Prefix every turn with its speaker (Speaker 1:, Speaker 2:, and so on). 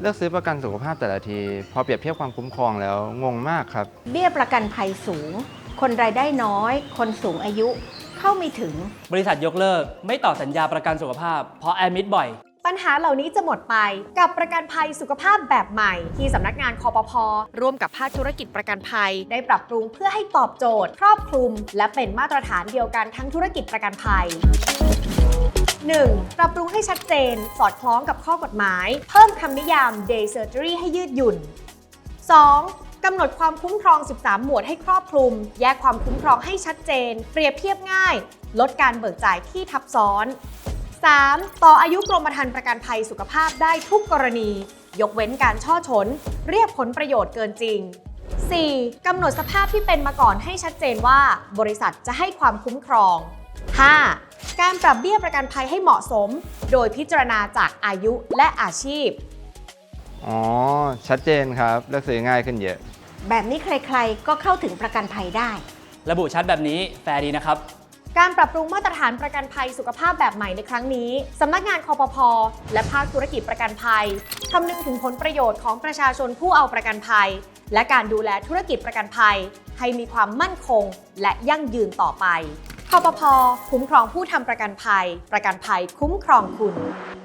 Speaker 1: เลือกซื้อประกันสุขภาพแต่ละทีพอเปรียบเทียบความคุ้มครองแล้วงงมากครับ
Speaker 2: เบี้ยประกันภัยสูงคนรายได้น้อยคนสูงอายุเข้าไม่ถึง
Speaker 3: บริษัทยกเลิกไม่ต่อสัญญาประกันสุขภาพเพราะแอดมิดบ่อย
Speaker 4: ปัญหาเหล่านี้จะหมดไปกับประกันภัยสุขภาพแบบใหม่ที่สำนักงานคปภ.ร่วมกับภาคธุรกิจประกันภัยได้ปรับปรุงเพื่อให้ตอบโจทย์ครอบคลุมและเป็นมาตรฐานเดียวกันทั้งธุรกิจประกันภัย 1. ปรับปรุงให้ชัดเจนสอดคล้องกับข้อกฎหมายเพิ่มคำนิยาม day surgery ให้ยืดหยุ่น 2. กำหนดความคุ้มครอง 13 หมวดให้ครอบคลุมแยกความคุ้มครองให้ชัดเจนเปรียบเทียบง่ายลดการเบิกจ่ายที่ทับซ้อน 3. ต่ออายุกรมธรรม์ประกันภัยสุขภาพได้ทุกกรณียกเว้นการช่อฉนเรียกผลประโยชน์เกินจริง 4. กำหนดสภาพที่เป็นมาก่อนให้ชัดเจนว่าบริษัทจะให้ความคุ้มครอง 5. การปรับเบี้ยประกันภัยให้เหมาะสมโดยพิจารณาจากอายุและอาชีพ
Speaker 1: อ๋อชัดเจนครับเลือกซื้อง่ายขึ้นเยอะ
Speaker 2: แบบนี้ใครๆก็เข้าถึงประกันภัยได้
Speaker 3: ระบุชัดแบบนี้แฟร์ดีนะครับ
Speaker 4: การปรับปรุงมาตรฐานประกันภัยสุขภาพแบบใหม่ในครั้งนี้สำนักงานคปภ.และภาคธุรกิจประกันภัยคำนึงถึงผลประโยชน์ของประชาชนผู้เอาประกันภัยและการดูแลธุรกิจประกันภัยให้มีความมั่นคงและยั่งยืนต่อไปคปภ.คุ้มครองผู้ทำประกันภัยประกันภัยคุ้มครองคุณ